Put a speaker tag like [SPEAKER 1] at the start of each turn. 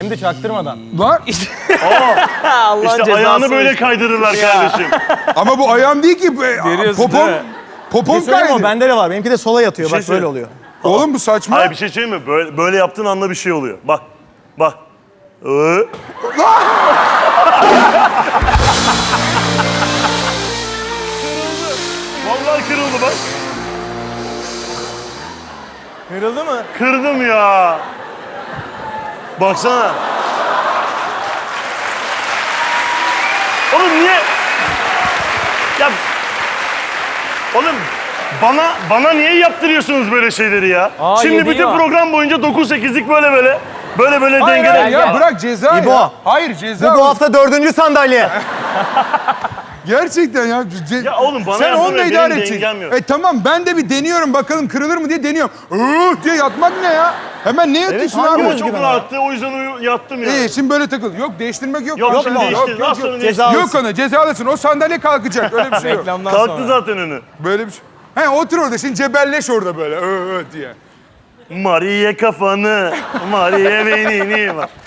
[SPEAKER 1] Hem de çaktırmadan.
[SPEAKER 2] Lan
[SPEAKER 1] Allah'ın
[SPEAKER 3] İşte
[SPEAKER 1] cezası
[SPEAKER 3] ayağını böyle
[SPEAKER 1] işte.
[SPEAKER 3] kaydırırlar kardeşim.
[SPEAKER 2] ama bu ayağım değil ki.
[SPEAKER 1] Görüyorsun
[SPEAKER 2] Popom,
[SPEAKER 1] değil mi?
[SPEAKER 2] popom
[SPEAKER 1] Bir söyleyeyim mi?
[SPEAKER 2] kaydı.
[SPEAKER 1] Bende de var. Benimki de sola yatıyor.
[SPEAKER 3] şey
[SPEAKER 1] Bak böyle
[SPEAKER 3] söyle.
[SPEAKER 1] oluyor.
[SPEAKER 2] Oğlum bu saçma.
[SPEAKER 3] Hayır bir şey söyleyeyim mi? Böyle yaptığın anda bir şey oluyor. Bak. Bak. Vallahi kırıldı bak.
[SPEAKER 1] Kırıldı mı?
[SPEAKER 3] Kırdım ya. Baksana. Oğlum niye? Ya oğlum bana niye yaptırıyorsunuz böyle şeyleri ya?
[SPEAKER 1] Aa,
[SPEAKER 3] Şimdi
[SPEAKER 1] yediği
[SPEAKER 3] bütün
[SPEAKER 1] var.
[SPEAKER 3] program boyunca 9-8'lik böyle
[SPEAKER 2] Hayır,
[SPEAKER 3] dengeler.
[SPEAKER 2] hayır ya
[SPEAKER 1] gel.
[SPEAKER 2] bırak ceza
[SPEAKER 1] İbo.
[SPEAKER 2] ya. Hayır ceza.
[SPEAKER 1] Bu hafta 4. sandalye.
[SPEAKER 2] Gerçekten ya.
[SPEAKER 3] Ya oğlum bana
[SPEAKER 2] sen
[SPEAKER 3] yardım
[SPEAKER 2] onunla
[SPEAKER 3] et,
[SPEAKER 2] idare
[SPEAKER 3] benim
[SPEAKER 2] edeceksin.
[SPEAKER 3] dengem yok.
[SPEAKER 2] Tamam ben de bir deniyorum bakalım kırılır mı diye deniyorum. Diye yatmak ne ya? Hemen ne yatıyorsun
[SPEAKER 1] hangi
[SPEAKER 2] abi?
[SPEAKER 3] Ama
[SPEAKER 1] özgüven
[SPEAKER 3] çok
[SPEAKER 1] ya?
[SPEAKER 3] rahattı o yüzden yattım ya.
[SPEAKER 2] İyi şimdi böyle takıl. Yok değiştirmek yok.
[SPEAKER 3] Yok,
[SPEAKER 2] Yok,
[SPEAKER 3] şimdi
[SPEAKER 2] yok,
[SPEAKER 3] değiştir.
[SPEAKER 2] yok,
[SPEAKER 3] Az sonra
[SPEAKER 2] yok.
[SPEAKER 3] değiştir.
[SPEAKER 2] Yok ona cezalısın. O sandalye kalkacak. Öyle bir şey yok.
[SPEAKER 1] Reklamdan
[SPEAKER 3] Kalktı
[SPEAKER 1] sonra.
[SPEAKER 3] zaten önü.
[SPEAKER 2] Böyle bir şey. He otur orada şimdi cebelleş orada böyle diye.
[SPEAKER 3] Mariye kafanı, Mariye beynini. Bak.